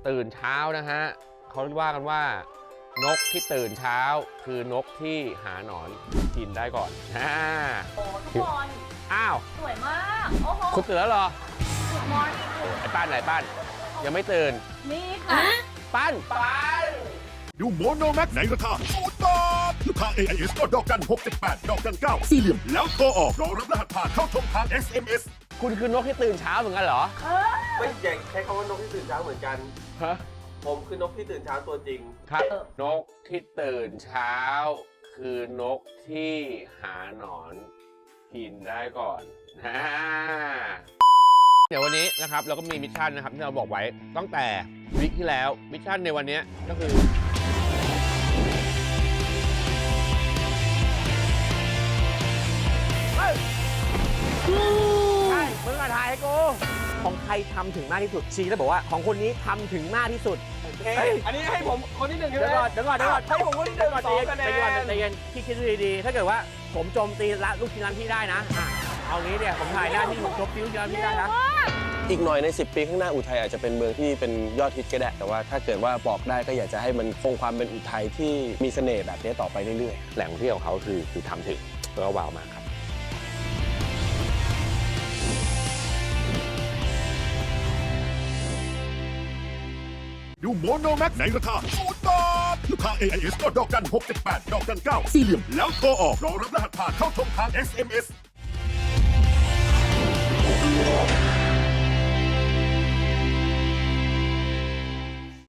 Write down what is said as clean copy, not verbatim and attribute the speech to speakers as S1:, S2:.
S1: ตื่นเช้านะฮะเขาว่ากันว่านกที่ตื่นเช้าคือนกที่หาหนอนกินได้ก่อน
S2: โอ้ทุกคน
S1: อ้าว
S2: สวยมากโอ้โห
S1: คุณตื่นแล้วเหรอ
S2: Good morning
S1: ไอ้ป้านไหนป้านยังไม่ตื่น
S2: นี่ค่ะ
S1: ป้าน
S3: ดูโมโนแม็กในราคาศูนย์บาทลูกค้า AIS ก็ดอกกัน678ดอกกัน9สี่เหลี่ยมแล้วโทรออกรอรับรหัสผ่านเข้าชมทาง SMS
S1: คุณคือนกที่ตื่นเช้าเหมือนกันเหรอ
S4: ไม่ใหญ่ใช้คำว่านกที่ตื่นเช้าเหมือนกัน
S1: ฮะ
S4: ผมคือนกที่ตื่นเช้าตัวจริง
S1: ครับนกที่ตื่นเช้า คือนกที่หาหนอนกินได้ก่อนเดี๋ยววันนี้นะครับเราก็มีมิชชั่นนะครับที่เราบอกไว้ตั้งแต่วีคที่แล้วมิชชั่นในวันนี้ก็คือใช่มึงมาถ่ายให้กูของใครทำถึงมากที่สุดชี้แล้วบอกว่าของคนนี้ทำถึงมากที่สุด
S4: อันนี้ให้ผมคนที่หนึ่งใช่ไหม
S1: เดี๋ยวก่อน
S4: ให้ผมคนที่หนึ่ง
S1: ใจเย็นพี่คิดดีๆถ้าเกิดว่าผมโจมตีลูกชิ้นร้านพี่ได้นะเอางี้เนี่ยผมถ่ายได้ที่ผมโจมตีลูกชิ้นร้านพี่ได้นะ
S5: อีกหน่อยใน 10 ปีข้างหน้าอุทัยอาจจะเป็นเมืองที่เป็นยอดฮิตก็ได้ แต่ว่าถ้าเกิดว่าบอกได้ก็อยากจะให้มันคงความเป็นอุทัยที่มีเสน่ห์แบบนี้ต่อไปเรื่อยๆ
S1: แหล่งท่องเที่ยวของเขาคือทำถึงแล้วก็ว้าวมากครับ
S3: ดูโมโนแม็กในราคาศูนย์บาทลูกค้า AIS ก็ดอกกัน678ดอกกัน9สี่เหลี่ยมแล้วโทรออกรอรับรหัสผ่านเข้าชมทาง SMS